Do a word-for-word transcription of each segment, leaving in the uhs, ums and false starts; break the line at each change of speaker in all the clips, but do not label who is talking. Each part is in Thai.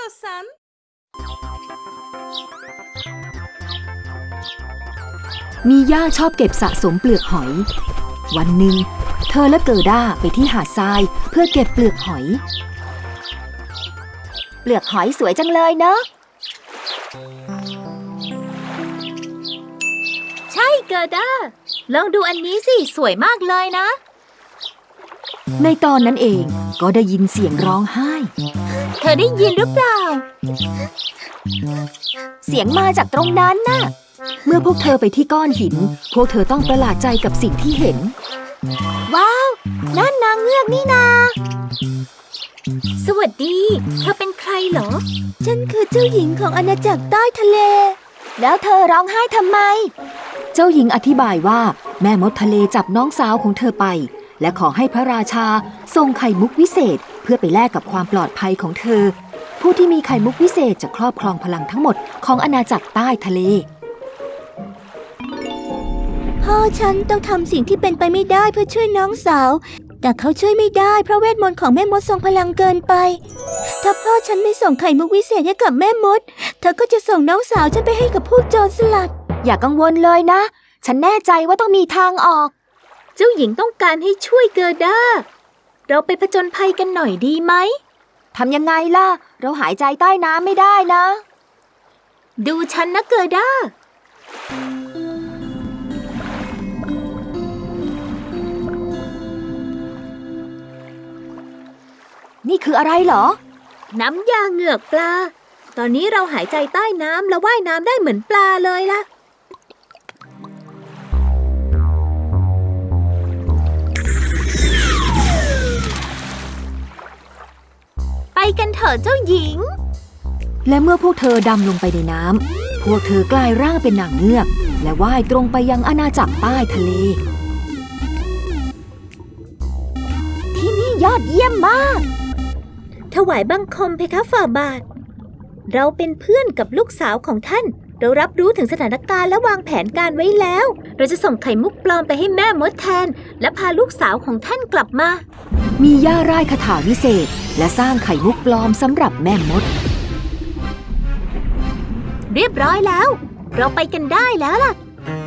istiyorsan.
มีย่าชอบเก็บสะสมเปลือกหอยวันหนึ่งเธอและเกิด้าไปที่หาดทรายเพื่อเก็บเปลือกหอยเปลือกหอยสวยจังเลยเนอะ
ใช่เกิด้าลองดูอันนี้สิสวยมากเลยนะ
ในตอนนั้นเองก็ได้ยินเสียงร้องไห้
เธอได้ยินหรือเปล่า
เสียงมาจากตรงนั้นน่ะเมื่อพวกเธอไปที่ก้อนหินพวกเธอต้องประหลาดใจกับสิ่งที่เห็นว้าวนั่นนางเงือกนี่นา
สวัสดีเธอเป็นใครเหรอ
ฉันคือเจ้าหญิงของอาณาจักรใต้ทะเลแล้วเธอร้องไห้ทำไมเจ้าหญิงอธิบายว่าแม่มดทะเลจับน้องสาวของเธอไปและขอให้พระราชาส่งไข่มุกวิเศษเพื่อไปแลกกับความปลอดภัยของเธอผู้ที่มีไข่มุกวิเศษจะครอบครองพลังทั้งหมดของอาณาจักรใต้ทะเลพ่อฉันต้องทำสิ่งที่เป็นไปไม่ได้เพื่อช่วยน้องสาวแต่เขาช่วยไม่ได้เพราะเวทมนต์ของแม่มดทรงพลังเกินไปถ้าพ่อฉันไม่ส่งไข่มุกวิเศษให้กับแม่มดเธอก็จะส่งน้องสาวฉันไปให้กับพวกโจรสลัดอย่ากังวลเลยนะฉันแน่ใจว่าต้องมีทางออก
เจ้าหญิงต้องการให้ช่วยเกิด้าเราไปผจญภัยกันหน่อยดีไหม
ทำยังไงล่ะเราหายใจใต้น้ำไม่ได้นะ
ดูฉันนะเกิด้า
นี่คืออะไรเหรอ
น้ำยาเหงือกปลาตอนนี้เราหายใจใต้น้ำและว่ายน้ำได้เหมือนปลาเลยล่ะไปกันเถอะเจ้าหญิง
และเมื่อพวกเธอดำลงไปในน้ำพวกเธอกลายร่างเป็นนางเงือกและว่ายตรงไปยังอาณาจักรใต้ทะเลที่นี่ยอดเยี่ยมมาก
ถวายบังคมเพคะฝ่าบาทเราเป็นเพื่อนกับลูกสาวของท่านเรารับรู้ถึงสถานการณ์และวางแผนการไว้แล้วเราจะส่งไข่มุกปลอมไปให้แม่มดแทนและพาลูกสาวของท่านกลับมา
มีย่าร่ายคาถาวิเศษและสร้างไข่มุกปลอมสำหรับแม่มด
เรียบร้อยแล้วเราไปกันได้แล้วล่ะ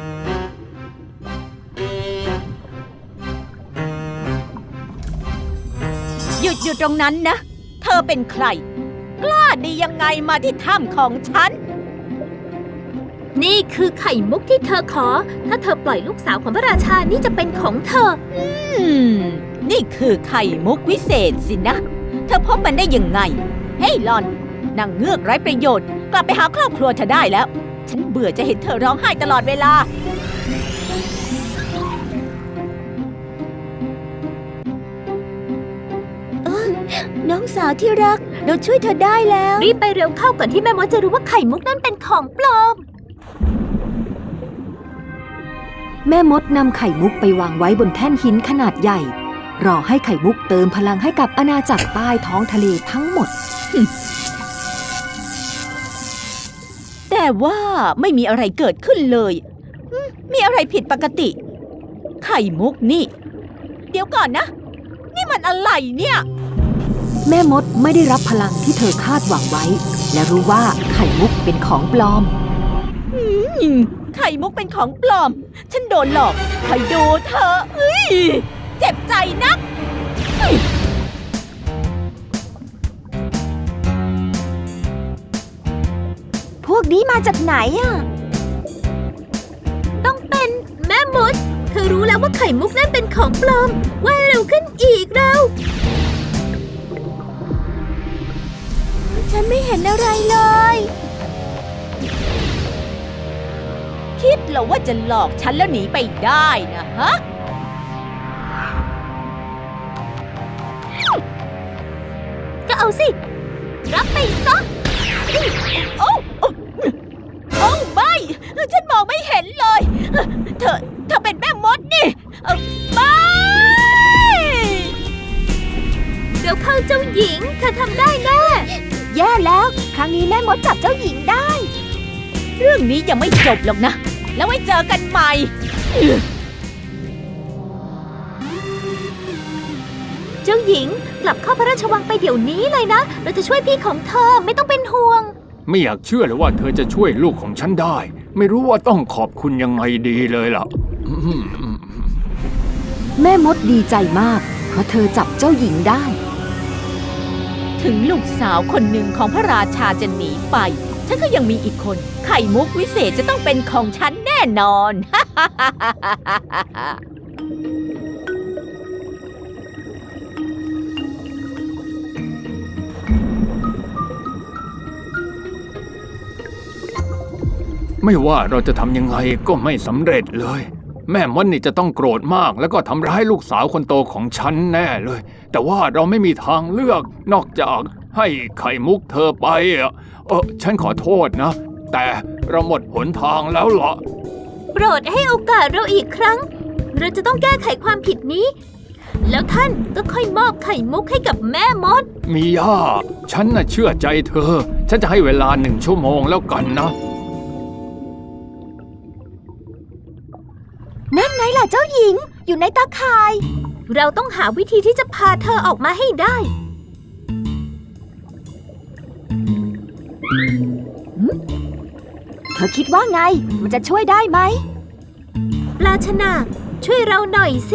หยุดอยู่ตรงนั้นนะเธอเป็นใครกล้าดียังไงมาที่ถ้ำของฉัน
นี่คือไข่มุกที่เธอขอถ้าเธอปล่อยลูกสาวของพระราชานี่จะเป็นของเธอ
อืมนี่คือไข่มุกวิเศษสินะเธอพบมันได้ยังไงเฮ้ยหลอนนางเงือกไร้ประโยชน์กลับไปหาครอบครัวเธอได้แล้วฉันเบื่อจะเห็นเธอร้องไห้ตลอดเวลา
น้องสาวที่รักเราช่วยเธอได้แล้ว
รีบไปเร็วเข้าก่อนที่แม่มดจะรู้ว่าไข่มุกนั่นเป็นของปลอม
แม่มดนำไข่มุกไปวางไว้บนแท่นหินขนาดใหญ่รอให้ไข่มุกเติมพลังให้กับอาณาจักรใต้ท้องทะเลทั้งหมด
แต่ว่าไม่มีอะไรเกิดขึ้นเลยมีอะไรผิดปกติไข่มุกนี่เดี๋ยวก่อนนะนี่มันอะไรเนี่ย
แม่มดไม่ได้รับพลังที่เธอคาดหวังไว้และรู้ว่าไข่มุกเป็นของปลอม
ไข่มุกเป็นของปลอมฉันโดนหลอกคอยดูเธอเอ้ยเจ็บใจนัก
พวกนี้มาจากไหนอ่ะ
ต้องเป็นแม่มดเธอรู้แล้วว่าไข่มุกนั่นเป็นของปลอมว่ายเร็วขึ้นอีกเร็ว
ฉันไม่เห็นอะไรเลย
คิดเหรอว่าจะหลอกฉันแล้วหนีไปได้นะฮะ
ก็เอาสิรับไปซะ
โอ้โอ้ไม่ฉันมองไม่เห็นเลยเธอเธอเป็นแม่มดนี่ไม่
เดี๋ยวเข้าเจ้าหญิงเธอทำได้แน่
แย่แล้วครั้งนี้แม่มดจับเจ้าหญิงได้
เรื่องนี้ยังไม่จบหรอกนะแล้วไว้เจอกันใหม่
เจ้าหญิงกลับเข้าพระราชวังไปเดี๋ยวนี้เลยนะ เราจะช่วยพี่ของเธอไม่ต้องเป็นห่วง
ไม่อยากเชื่อเลยว่าเธอจะช่วยลูกของฉันได้ ไม่รู้ว่าต้องขอบคุณยังไงดีเลยล่ะ
แม่มดดีใจมาก เพราะเธอจับเจ้าหญิงได้
ถึงลูกสาวคนหนึ่งของพระราชาจะหนีไป ฉันก็ยังมีอีกคน ไข่มุกวิเศษจะต้องเป็นของฉันแน่นอน
ไม่ว่าเราจะทำยังไงก็ไม่สำเร็จเลย แม่มดนี่จะต้องโกรธมากแล้วก็ทำร้ายลูกสาวคนโตของฉันแน่เลย แต่ว่าเราไม่มีทางเลือกนอกจากให้ไข่มุกเธอไปอ่ะเออฉันขอโทษนะ แต่เราหมดหนทางแล้วล่ะ
โปรดให้โอกาสเราอีกครั้ง เราจะต้องแก้ไขความผิดนี้ แล้วท่านก็ค่อยมอบไข่มุกให้กับแม่มด
มีย่าฉันน่ะเชื่อใจเธอ ฉันจะให้เวลาหนึ่งชั่วโมงแล้วกันนะ
นั่นไงล่ะเจ้าหญิง อยู่ในตาข่าย
เราต้องหาวิธีที่จะพาเธอออกมาให้ได้
เธอคิดว่าไง มันจะช่วยได้ไหม
ปลาชนาช่วยเราหน่อยสิ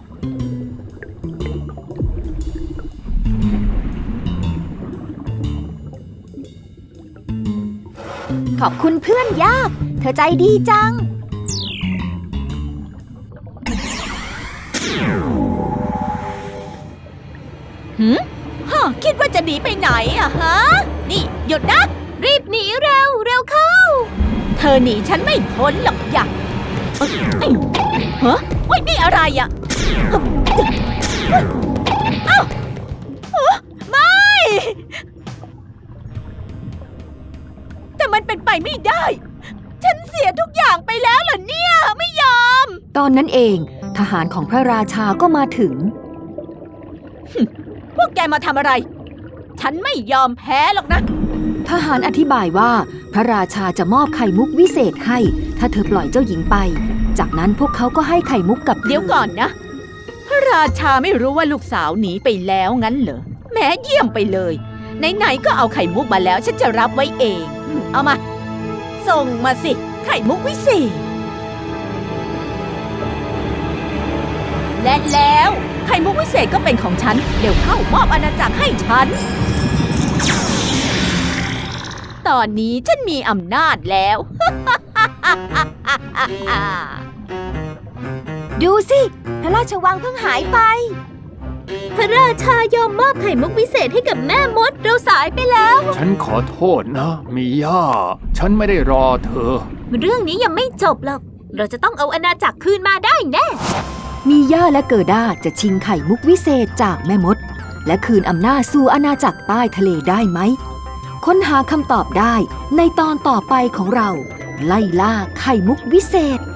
ขอบคุณเพื่อนยาก เธอใจดีจัง
หืมฮะคิดว่าจะหนีไปไหนอะฮะ นี่หยุดนะ
รีบหนีเร็ว เร็วเข้า
เธอหนีฉันไม่พ้นหรอกอย่าเอ้ยเอ้ยฮะเว้ยนี่อะไรอะเอ้าเอ้อไม่ แต่มันเป็นไปไม่ได้ ฉันเสียทุกอย่างไปแล้วเหรอเนี่ย ไม่ยอม
ตอนนั้นเอง ทหารของพระราชาก็มาถึง
พวกแกมาทำอะไร ฉันไม่ยอมแพ้หรอกนะ
ทหารอธิบายว่า พระราชาจะมอบไข่มุกวิเศษให้ ถ้าเธอปล่อยเจ้าหญิงไป จากนั้นพวกเขาก็ให้ไข่มุกกับธ
เดี๋ยวก่อนนะ พระราชาไม่รู้ว่าลูกสาวหนีไปแล้วงั้นเหรอแหม้เยี่ยมไปเลย ไหนๆก็เอาไข่มุกมาแล้ว ฉันจะรับไว้เองอืมเอามา ส่งมาสิ ไข่มุกวิเศษ และแล้วไข่มุกวิเศษก็เป็นของฉัน เดี๋ยวเข้ามอบอาณาจักรให้ฉัน ตอนนี้ฉันมีอำนาจแล้ว
ดูสิ พระราชวังเพิ่งหายไป
พระราชายอมมอบไข่มุกวิเศษให้กับแม่มด เราสายไปแล้ว
ฉันขอโทษนะ มีย่า ฉันไม่ได้รอเธอ
เรื่องนี้ยังไม่จบหรอก เราจะต้องเอาอาณาจักรคืนมาได้แน่
มีย่าและเกิด้าจะชิงไข่มุกวิเศษจากแม่มด และคืนอำนาจสู่อาณาจักรใต้ทะเลได้ไหม ค้นหาคำตอบได้ในตอนต่อไปของเรา ไล่ล่าไข่มุกวิเศษ